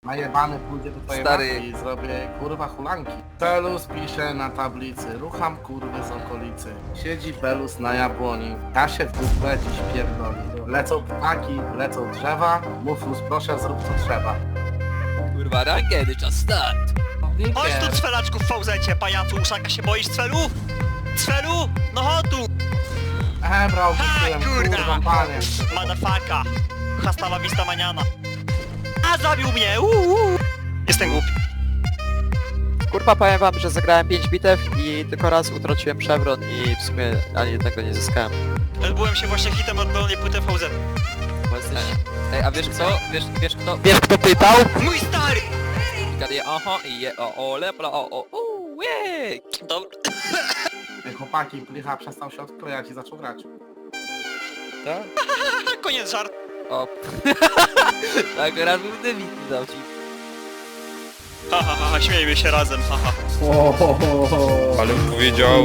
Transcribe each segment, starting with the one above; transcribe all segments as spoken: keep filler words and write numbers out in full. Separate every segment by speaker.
Speaker 1: najebany pójdzie do twojej
Speaker 2: Stary.
Speaker 1: matki i zrobię kurwa hulanki. Belus pisze na tablicy, rucham kurwy z okolicy. Siedzi Belus na jabłoni, ja się w dupę dziś pierdoli. Lecą ptaki, lecą drzewa, Muflus proszę zrób co trzeba.
Speaker 2: Kurwa, rankedy, czas start!
Speaker 3: Chodź tu, cwelaczku w fałzecie, pajacu, uszaka się boisz, cwelu? Cwelu? No chodź tu!
Speaker 1: Ehe, brał,
Speaker 3: Ha,
Speaker 1: wysyłem,
Speaker 3: kurda!
Speaker 1: kurwa panie.
Speaker 3: Motherfucka! Hasta la vista maniana. A zabił mnie! Uuu. Jestem głupi.
Speaker 4: Kurwa, powiem wam, że zagrałem pięć bitew i tylko raz utraciłem przewrot i w sumie ani jednego nie zyskałem.
Speaker 3: Byłem się właśnie hitem od dolnej płyty V Z.
Speaker 4: Bo jesteś...
Speaker 2: Ej, a wiesz co? Wiesz, wiesz kto?
Speaker 4: Wiesz kto pytał?
Speaker 3: Mój stary!
Speaker 2: Gaduje, oho, i je, o, o, lepla, o, o, o, jej!
Speaker 3: Dobra.
Speaker 1: Ty, chłopaki, Plicha przestał się odklejać i zaczął grać.
Speaker 2: Tak?
Speaker 3: Koniec żart.
Speaker 2: O. Tak, raz był dywizji dał ci.
Speaker 3: Ha, ha, ha, ha, śmiejmy się razem, haha.
Speaker 5: Ale powiedział...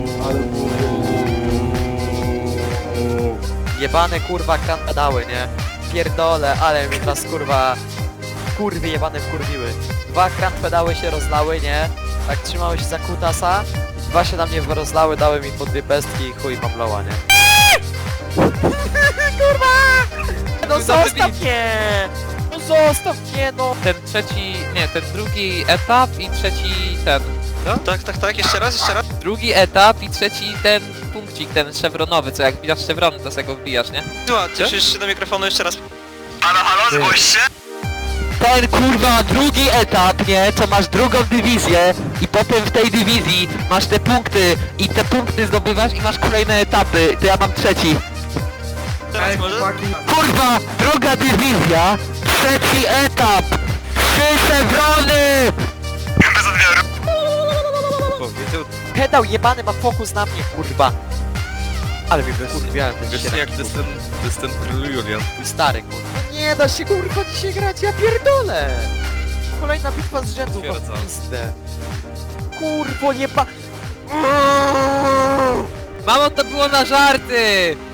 Speaker 4: Jebane kurwa kran pedały, nie? Pierdole, ale mi teraz kurwa... Kurwy jebane wkurwiły. Dwa kran pedały się rozlały, nie? Tak trzymały się za kutasa. Dwa się na mnie rozlały, dały mi po dwie pestki i chuj mam loła, nie? Kurwa! No zostaw mnie! No zostaw mnie, no!
Speaker 2: Ten trzeci, nie, ten drugi etap i trzeci ten.
Speaker 3: No, tak, tak, tak, jeszcze raz, jeszcze raz.
Speaker 2: Drugi etap i trzeci ten punkcik, ten szewronowy, co jak wbijasz szewrony, to sobie go wbijasz, nie?
Speaker 3: Słuchaj, cieszysz się do mikrofonu jeszcze raz. Halo, halo, zgłoś się!
Speaker 4: Ten kurwa drugi etap, nie? Co masz drugą dywizję i potem w tej dywizji masz te punkty i te punkty zdobywasz i masz kolejne etapy, to ja mam trzeci.
Speaker 3: Teraz
Speaker 1: Ej,
Speaker 3: może?
Speaker 1: chłopaki,
Speaker 4: Kurwa, druga dywizja, trzeci etap, trzy szewrony!
Speaker 3: Bez odbioru.
Speaker 5: Powiedział...
Speaker 4: Pedał jebany ma fokus na mnie, kurwa. Ale mi wykurwiałem ten
Speaker 5: Wiesz
Speaker 4: dzisiaj.
Speaker 5: jak to jest ten... To jest ten król Julian.
Speaker 4: Mój stary, kurwa. Nie da się kurwa dzisiaj grać, ja pierdolę! Kolejna bitwa z rzędu, no
Speaker 5: Potwierdzam.
Speaker 4: pizdę. Kurwo, nie pa...
Speaker 2: Mamo, to było na żarty!